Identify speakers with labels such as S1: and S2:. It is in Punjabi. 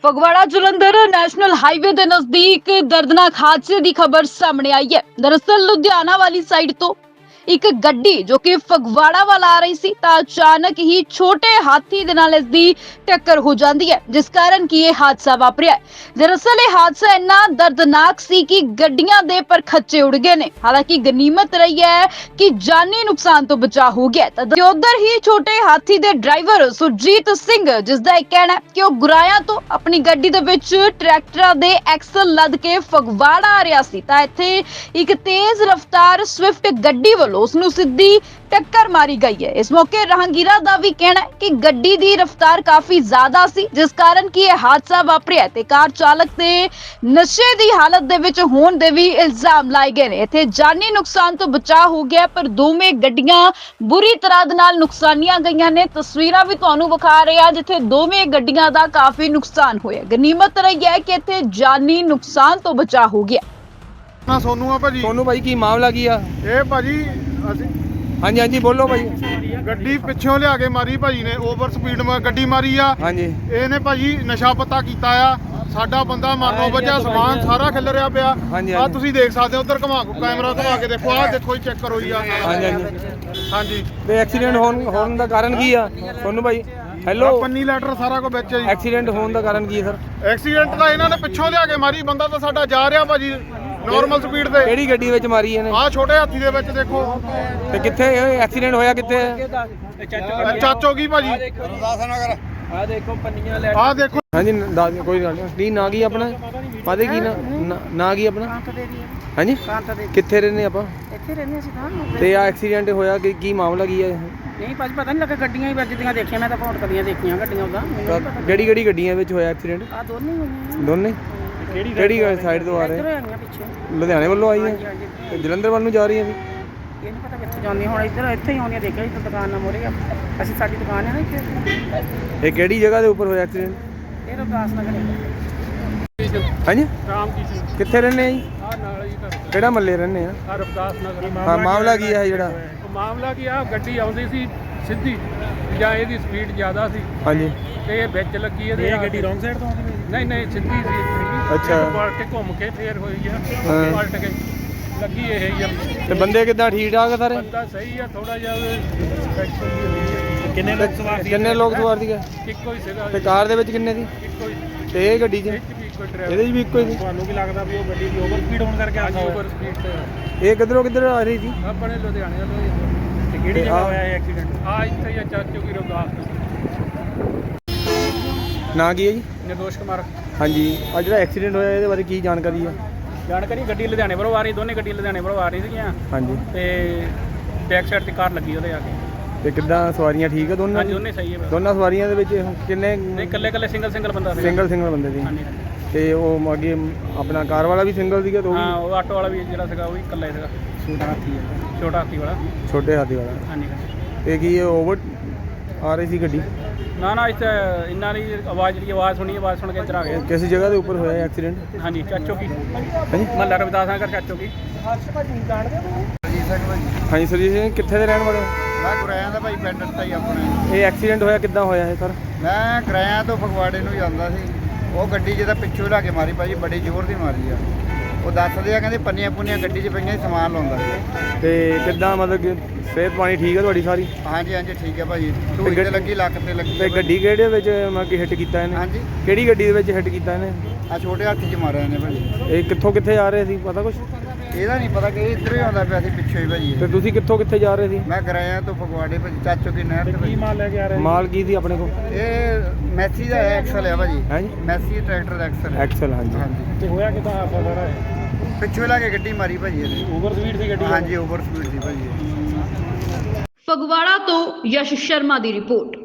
S1: ਫਗਵਾੜਾ ਜਲੰਧਰ ਨੈਸ਼ਨਲ ਹਾਈਵੇ ਦੇ ਨਜ਼ਦੀਕ ਦਰਦਨਾਕ ਹਾਦਸੇ ਦੀ ਖਬਰ ਸਾਹਮਣੇ ਆਈ ਹੈ। ਦਰਅਸਲ ਲੁਧਿਆਣਾ ਵਾਲੀ ਸਾਈਡ ਤੋਂ ਇੱਕ ਗੱਡੀ ਜੋ ਕਿ ਫਗਵਾੜਾ ਵੱਲ ਆ ਰਹੀ ਸੀ ਤਾਂ ਅਚਾਨਕ ਹੀ ਛੋਟੇ ਹਾਥੀ ਦੇ ਨਾਲ ਇਸ ਦੀ ਟੱਕਰ ਹੋ ਜਾਂਦੀ ਹੈ, ਜਿਸ ਕਾਰਨ ਕਿ ਇਹ ਹਾਦਸਾ ਵਾਪਰਿਆ ਹੈ। ਦਰਅਸਲ ਇਹ ਹਾਦਸਾ ਇੰਨਾ ਦਰਦਨਾਕ ਸੀ ਕਿ ਗੱਡੀਆਂ ਦੇ ਪਰਖੱਚੇ ਉੱਡ ਗਏ ਨੇ। ਹਾਲਾਂਕਿ ਗਨੀਮਤ ਰਹੀ ਹੈ ਕਿ ਜਾਨੀ ਨੁਕਸਾਨ ਤੋਂ ਬਚਾ ਹੋ ਗਿਆ। ਤਾਂ ਉਧਰ ਹੀ ਛੋਟੇ ਹਾਥੀ ਦੇ ਡਰਾਈਵਰ ਸੁਰਜੀਤ ਸਿੰਘ, ਜਿਸ ਦਾ ਇਹ ਕਹਿਣਾ ਹੈ ਕਿ ਉਹ ਗੁਰਾਇਆ ਤੋਂ ਆਪਣੀ ਗੱਡੀ ਦੇ ਵਿੱਚ ਟਰੈਕਟਰਾਂ ਦੇ ਐਕਸਲ ਲੱਦ ਕੇ ਫਗਵਾੜਾ ਆ ਰਿਹਾ ਸੀ ਤਾਂ ਇੱਥੇ ਇੱਕ ਤੇਜ਼ ਰਫ਼ਤਾਰ ਸਵਿਫਟ ਗੱਡੀ ਵੱਲੋਂ ਉਸ ਨੂੰ ਸਿੱਧੀ ਟੱਕਰ ਮਾਰੀ ਗਈ ਹੈ। ਇਸ ਮੌਕੇ ਰਾਹਗੀਰਾਂ ਦਾ ਵੀ ਕਹਿਣਾ ਹੈ ਕਿ ਗੱਡੀ ਦੀ ਰਫ਼ਤਾਰ ਕਾਫੀ ਜ਼ਿਆਦਾ ਸੀ, ਜਿਸ ਕਾਰਨ ਕਿ ਇਹ ਹਾਦਸਾ ਵਾਪਰਿਆ ਤੇ ਕਾਰ ਚਾਲਕ ਤੇ ਨਸ਼ੇ ਦੀ ਹਾਲਤ ਦੇ ਵਿੱਚ ਹੋਣ ਦੇ ਵੀ ਇਲਜ਼ਾਮ ਲਾਏ ਗਏ ਨੇ। ਇੱਥੇ ਜਾਨੀ ਨੁਕਸਾਨ ਤੋਂ ਬਚਾਅ ਹੋ ਗਿਆ, ਪਰ ਦੋਵੇਂ ਗੱਡੀਆਂ ਬੁਰੀ ਤਰ੍ਹਾਂ ਦੇ ਨਾਲ ਨੁਕਸਾਨੀਆਂ ਗਈਆਂ ਨੇ। ਤਸਵੀਰਾਂ ਵੀ ਤੁਹਾਨੂੰ ਵਿਖਾ ਰਹੇ ਆ ਜਿੱਥੇ ਦੋਵੇਂ ਗੱਡੀਆਂ ਦਾ ਕਾਫੀ ਨੁਕਸਾਨ ਹੋਇਆ। ਗਨੀਮਤ ਰਹੀ ਹੈ ਕਿ ਇੱਥੇ ਜਾਨੀ ਨੁਕਸਾਨ ਤੋਂ ਬਚਾਅ ਹੋ ਗਿਆ।
S2: ਨਾ ਸੋਨੂ ਆ ਭਾਜੀ।
S3: ਸੋਨੂ ਭਾਈ ਕੀ ਮਾਮਲਾ ਕੀ ਆ?
S2: ਇਹ ਭਾਜੀ ਅਸੀਂ
S3: ਹਾਂਜੀ ਹਾਂਜੀ ਬੋਲੋ ਭਾਈ।
S2: ਗੱਡੀ ਪਿੱਛੋਂ ਲਿਆ ਕੇ ਮਾਰੀ ਭਾਜੀ ਨੇ, ਓਵਰ ਸਪੀਡ ਗੱਡੀ ਮਾਰੀ ਆ।
S3: ਹਾਂਜੀ
S2: ਇਹਨੇ ਭਾਜੀ ਨਸ਼ਾ ਪੱਤਾ ਕੀਤਾ ਆ। ਸਾਡਾ ਬੰਦਾ ਮਰਨੋਂ ਬਚਿਆ, ਸਮਾਨ ਸਾਰਾ ਖਿਲ ਰਿਹਾ ਪਿਆ।
S3: ਹਾਂਜੀ,
S2: ਆ ਤੁਸੀਂ ਦੇਖ ਸਕਦੇ ਹੋ, ਉਧਰ ਕੈਮਰਾ ਘੁਮਾ ਕੇ ਦੇਖੋ, ਆਹ ਦੇਖੋ ਹੀ ਚੈੱਕ ਕਰੋ ਜੀ। ਆ
S3: ਹਾਂਜੀ ਹਾਂਜੀ
S2: ਹਾਂਜੀ
S3: ਤੇ ਐਕਸੀਡੈਂਟ ਹੋਣ ਦਾ ਕਾਰਨ ਕੀ ਆ ਸੋਨੂ ਭਾਈ? ਹੈਲੋ,
S2: ਪੰਨੀ ਲੈਟਰ ਸਾਰਾ ਕੁਝ ਵਿੱਚ ਹੈ ਜੀ।
S3: ਐਕਸੀਡੈਂਟ ਹੋਣ ਦਾ ਕਾਰਨ ਕੀ ਹੈ ਸਰ?
S2: ਐਕਸੀਡੈਂਟ ਦਾ ਇਹਨਾਂ ਨੇ ਪਿੱਛੋਂ ਲਿਆ ਕੇ ਮਾਰੀ। ਬੰਦਾ ਤਾਂ ਸਾਡਾ ਜਾ ਰਿਹਾ ਭਾਜੀ ਨਾਰਮਲ ਸਪੀਡ ਤੇ।
S3: ਕਿਹੜੀ ਗੱਡੀ ਵਿੱਚ ਮਾਰੀ ਇਹਨੇ?
S2: ਆਹ ਛੋਟੇ ਹਾਥੀ ਦੇ ਵਿੱਚ ਦੇਖੋ।
S3: ਤੇ ਕਿੱਥੇ ਐਕਸੀਡੈਂਟ ਹੋਇਆ? ਕਿੱਥੇ?
S2: ਚਾਚੋ ਕੀ ਭਾਜੀ?
S3: ਆ ਦੇਖੋ ਪੰਨੀਆਂ ਲੈ।
S2: ਆਹ ਦੇਖੋ।
S3: ਹਾਂਜੀ ਕੋਈ ਗੱਲ ਨਹੀਂ। ਕੀ ਨਾਂ ਕੀ ਆਪਣਾ? ਪਾਦੇ ਕੀ ਨਾਂ ਕੀ ਆਪਣਾ? ਹਾਂਜੀ ਕਿੱਥੇ ਰਹਿੰਦੇ ਆਪਾਂ?
S4: ਇੱਥੇ ਰਹਿੰਦੇ ਸੀ ਤਾਂ।
S3: ਤੇ ਆ ਐਕਸੀਡੈਂਟ ਹੋਇਆ ਕਿ ਕੀ ਮਾਮਲਾ ਕੀ ਹੈ?
S4: ਨਹੀਂ ਭਾਜੀ ਪਤਾ ਨਹੀਂ ਲੱਗਾ, ਗੱਡੀਆਂ ਹੀ ਵੱਜਦੀਆਂ ਦੇਖੀਆਂ ਮੈਂ ਤਾਂ। ਫੋਨ ਕਦੀਆਂ ਦੇਖੀਆਂ ਗੱਡੀਆਂ ਉਹਦਾ।
S3: ਕਿਹੜੀ ਗੱਡੀਆਂ ਵਿੱਚ ਹੋਇਆ ਐਕਸੀਡੈਂਟ?
S4: ਆ ਦੋਨੇ ਹੀ ਹੋਈਆਂ।
S3: ਦੋਨੇ? ਕਿਹੜੀ ਸਾਈਡ ਤੋਂ ਆ ਰਹੇ?
S4: ਇੱਧਰੋਂ ਆਈਆਂ ਪਿੱਛੋਂ।
S3: ਲੁਧਿਆਣੇ ਵੱਲੋਂ ਆਈ ਹੈ
S4: ਹਾਂਜੀ
S3: ਤੇ ਜਲੰਧਰ ਵੱਲ ਨੂੰ ਜਾ ਰਹੀ ਹੈ?
S4: ਇਹ ਨਹੀਂ ਪਤਾ ਕਿੱਥੇ ਜਾਂਦੀਆਂ ਹੁਣ। ਇੱਥੇ ਹੀ ਆਉਂਦੀਆਂ ਦੇਖਿਆ ਇੱਥੇ ਦੁਕਾਨ ਨਾਲ ਮੋਰੇ ਆ। ਅਸੀਂ ਸਾਡੀ ਦੁਕਾਨ ਹੈ ਨਾ ਇੱਥੇ।
S3: ਇਹ ਕਿਹੜੀ ਜਗ੍ਹਾ ਦੇ ਉੱਪਰ ਹੋਇਆ ਐਕਸੀਡੈਂਟ?
S4: ਇਹ ਰਵਿਦਾਸ ਨਗਰ ਹੈ।
S3: ਹਾਂਜੀ
S2: ਰਾਮ ਕੀ
S3: ਕਿੱਥੇ ਰਹਿੰਦੇ ਆ ਜੀ?
S2: ਆ ਨਾਲ ਹੀ ਤਾਂ
S3: ਕਿਹੜਾ ਮੱਲੇ ਰਹਿੰਦੇ ਆ?
S2: ਰਵਿਦਾਸ ਨਗਰ।
S3: ਹਾਂ ਮਾਮਲਾ ਕੀ ਹੈ ਜਿਹੜਾ?
S2: ਮਾਮਲਾ ਕੀ ਆ, ਗੱਡੀ ਆਉਂਦੀ ਸੀ ਸਿੱਧੀ ਜਾਂ ਇਹਦੀ ਸਪੀਡ ਜ਼ਿਆਦਾ ਸੀ
S3: ਹਾਂਜੀ
S2: ਤੇ ਇਹ ਵਿੱਚ ਲੱਗੀ। ਇਹਦੇ ਗੱਡੀ ਰੋਂਗ ਸਾਈਡ ਤੋਂ ਆਉਂਦੀ? ਨਹੀਂ ਸਿੱਧੀ ਸੀ।
S3: ਅੱਛਾ।
S2: ਪਲਟ ਕੇ ਘੁੰਮ ਕੇ ਫੇਰ ਹੋਈ ਆ।
S3: ਹਾਂ।
S2: ਪਲਟ ਕੇ ਲੱਗੀ ਇਹ ਹੀ ਆ।
S3: ਤੇ ਬੰਦੇ ਕਿੱਦਾਂ ਠੀਕ ਠਾਕ ਆ ਸਾਰੇ?
S2: ਬੰਦਾ ਸਹੀ ਆ, ਥੋੜਾ ਜਿਹਾ ਇਨਫੈਕਸ਼ਨ ਵੀ ਹੋਈ ਆ।
S3: ਕਿੰਨੇ ਲੋਕ ਸਵਾਰ ਸੀਗੇ?
S2: ਇੱਕੋ ਹੀ ਸੀਗਾ।
S3: ਤੇ ਕਾਰ ਦੇ ਵਿੱਚ ਕਿੰਨੇ ਸੀ?
S2: ਇੱਕੋ ਹੀ।
S3: ਤੇ ਇਹ ਗੱਡੀ 'ਚ?
S2: ਇਹ 'ਚ ਵੀ ਇੱਕੋ ਹੀ ਡਰਾਈਵਰ।
S3: ਇਹਦੇ 'ਚ ਵੀ ਇੱਕੋ ਹੀ ਸੀ?
S2: ਤੁਹਾਨੂੰ ਕੀ ਲੱਗਦਾ ਵੀ ਉਹ ਗੱਡੀ ਦੀ ਓਵਰ ਸਪੀਡ ਹੋਣ ਕਰਕੇ ਆ? ਓਵਰ ਸਪੀਡ ਤੇ
S3: ਇਹ ਕਿੱਧਰ ਆ ਰਹੀ ਸੀ?
S2: ਆਪਣੇ ਲੁਧਿਆਣੇ ਵੱਲੋਂ ਹੀ। ਤੇ ਕਿਹੜੀ ਜਗ੍ਹਾ ਹੋਇਆ ਇਹ ਐਕਸੀਡੈਂਟ? ਆ ਇੱਥੇ ਹੀ ਆ, ਚਾਚੋ ਕੀ ਰਵਿਦਾਸ।
S3: ਨਾਂ ਕੀ ਹੈ ਜੀ?
S2: ਨਿਰਦੋਸ਼ ਕੁਮਾਰ।
S3: ਹਾਂਜੀ ਆ ਜਿਹੜਾ ਐਕਸੀਡੈਂਟ ਹੋਇਆ ਇਹਦੇ ਬਾਰੇ ਕੀ ਜਾਣਕਾਰੀ ਆ?
S2: ਜਾਣਕਾਰੀ, ਗੱਡੀ ਲੁਧਿਆਣੇ ਵੱਲੋਂ ਆ ਰਹੀ, ਦੋਨੇ ਗੱਡੀ ਲੁਧਿਆਣੇ ਵੱਲੋਂ ਆ ਰਹੀ ਸੀਗੀਆਂ
S3: ਹਾਂਜੀ
S2: ਤੇ ਬੈਕ ਸਾਈਡ ਤੇ ਕਾਰ ਲੱਗੀ ਉਹਦੇ ਆ ਕੇ।
S3: ਤੇ ਕਿੱਦਾਂ ਸਵਾਰੀਆਂ ਠੀਕ ਆ ਦੋਨਾਂ
S2: ਹਾਂਜੀ
S3: ਦੀ?
S2: ਦੋਨੇ ਸਹੀ ਹੈ।
S3: ਦੋਨਾਂ ਸਵਾਰੀਆਂ ਦੇ ਵਿੱਚ ਕਿੰਨੇ?
S2: ਨਹੀਂ ਇਕੱਲੇ ਸਿੰਗਲ ਬੰਦਾ ਸੀ।
S3: ਸਿੰਗਲ ਬੰਦੇ ਸੀ।
S2: ਹਾਂਜੀ
S3: ਤੇ ਉਹ ਅੱਗੇ ਆਪਣਾ ਕਾਰ ਵਾਲਾ ਵੀ ਸਿੰਗਲ ਸੀਗਾ? ਤੇ ਉਹ
S2: ਹਾਂ, ਉਹ ਆਟੋ ਵਾਲਾ ਵੀ ਜਿਹੜਾ ਸੀਗਾ ਉਹ ਵੀ ਇਕੱਲਾ ਹੀ ਸੀਗਾ। ਛੋਟਾ ਹਾਥੀ ਵਾਲਾ।
S3: ਛੋਟੇ ਹਾਥੀ ਵਾਲਾ।
S2: ਹਾਂਜੀ।
S3: ਤੇ ਕੀ ਇਹ ਓਵਰ ਆ ਰਹੀ ਸੀ ਗੱਡੀ?
S2: ਨਾ ਇੱਥੇ ਇੰਨਾ ਨਹੀਂ, ਆਵਾਜ਼ ਸੁਣੀ, ਆਵਾਜ਼ ਸੁਣ ਕੇ ਇੱਧਰ ਆ ਗਏ।
S3: ਕਿਸ ਜਗ੍ਹਾ ਦੇ ਉੱਪਰ ਹੋਇਆ ਐਕਸੀਡੈਂਟ?
S2: ਹਾਂਜੀ ਚਾਚੋ ਕੀ
S3: ਹਾਂਜੀ
S2: ਮਹੱਲਾ ਰਵਿਦਾਸ ਨਗਰ ਚਾਚੋ ਕੀ।
S3: ਹਾਂਜੀ ਸਰਜੀਤ ਸਿੰਘ ਕਿੱਥੇ ਦੇ ਰਹਿਣ ਵਾਲੇ ਹੋ?
S5: ਮੈਂ ਗੁਰਾਇਆ ਦਾ ਭਾਈ ਪਿੰਡ ਤਾਂ ਹੀ ਆਪਣੇ।
S3: ਇਹ ਐਕਸੀਡੈਂਟ ਹੋਇਆ ਕਿੱਦਾਂ ਹੋਇਆ ਇਹ ਸਰ?
S5: ਮੈਂ ਗੁਰਾਇਆ ਤੋਂ ਫਗਵਾੜੇ ਨੂੰ ਜਾਂਦਾ ਸੀ। ਉਹ ਗੱਡੀ ਜਿਹਦਾ ਪਿੱਛੋਂ ਲਾ ਕੇ ਮਾਰੀ ਭਾਜੀ, ਬੜੀ ਜ਼ੋਰ ਦੀ ਮਾਰੀ ਆ। ਉਹ ਦੱਸਦੇ ਆ ਕਹਿੰਦੇ ਪੰਨੀਆਂ ਗੱਡੀ 'ਚ ਪਈਆਂ ਸੀ, ਸਮਾਨ ਲਾਉਂਦਾ ਸੀ।
S3: ਤੇ ਕਿੱਦਾਂ ਮਤਲਬ ਕਿ ਸਿਹਤ ਪਾਣੀ ਠੀਕ ਹੈ ਤੁਹਾਡੀ ਸਾਰੀ?
S5: ਹਾਂਜੀ ਠੀਕ ਹੈ ਭਾਜੀ। ਢੂਈ ਤੇ ਲੱਗੀ, ਲੱਕ ਤੇ ਲੱਗੀ।
S3: ਤੇ ਗੱਡੀ ਕਿਹੜੇ ਵਿੱਚ ਮਤਲਬ ਕਿ ਹਿੱਟ ਕੀਤਾ ਇਹਨੇ?
S5: ਹਾਂਜੀ।
S3: ਕਿਹੜੀ ਗੱਡੀ ਦੇ ਵਿੱਚ ਹਿੱਟ ਕੀਤਾ ਇਹਨੇ?
S5: ਆ ਛੋਟੇ ਹਾਥੀ 'ਚ ਮਾਰਿਆ ਇਹਨੇ ਭਾਜੀ।
S3: ਇਹ ਕਿੱਥੇ ਆ ਰਹੇ ਸੀ ਪਤਾ ਕੁਛ?
S5: ਇਹਦਾ ਨਹੀਂ ਪਤਾ ਕਿ ਇਹ ਇੱਧਰੋਂ ਹੀ ਆਉਂਦਾ ਪਿਆ ਸੀ ਪਿੱਛੋਂ ਹੀ ਭਾਜੀ।
S3: ਤੇ ਤੁਸੀਂ ਕਿੱਥੇ ਜਾ ਰਹੇ ਸੀ?
S5: ਮੈਂ ਗੁਰਾਇਆ ਤੋਂ ਫਗਵਾੜੇ ਭਾਜੀ, ਚਾਚੋ ਕੀ ਨਹਿਰ ਤੇ।
S2: ਕੀ ਮਾਲ ਲੈ ਕੇ ਆ ਰਹੇ?
S3: ਮਾਲ ਕੀ ਸੀ ਆਪਣੇ ਕੋਲ?
S5: ਇਹ ਮੈਸੀ ਦਾ ਐਕਸਲ ਆ ਭਾਜੀ।
S3: ਹਾਂਜੀ
S5: ਮੈਸੀ ਟਰੈਕਟਰ ਦਾ ਐਕਸਲ।
S3: ਐਕਸਲ ਹਾਂਜੀ।
S5: ਹਾਂਜੀ।
S2: ਤੇ ਹੋਇਆ ਕਿੱਦਾਂ ਹਾਦਸਾ ਸਾਰਾ?
S5: ਪਿੱਛੋਂ ਲਾ ਕੇ ਗੱਡੀ ਮਾਰੀ ਭਾਜੀ ਇਹਨੇ।
S2: ਓਵਰ ਸਪੀਡ ਸੀ ਗੱਡੀ?
S5: ਹਾਂਜੀ ਓਵਰ ਸਪੀਡ ਸੀ ਭਾਜੀ।
S1: ਫਗਵਾੜਾ ਤੋਂ ਯਸ਼ ਸ਼ਰਮਾ ਦੀ ਰਿਪੋਰਟ।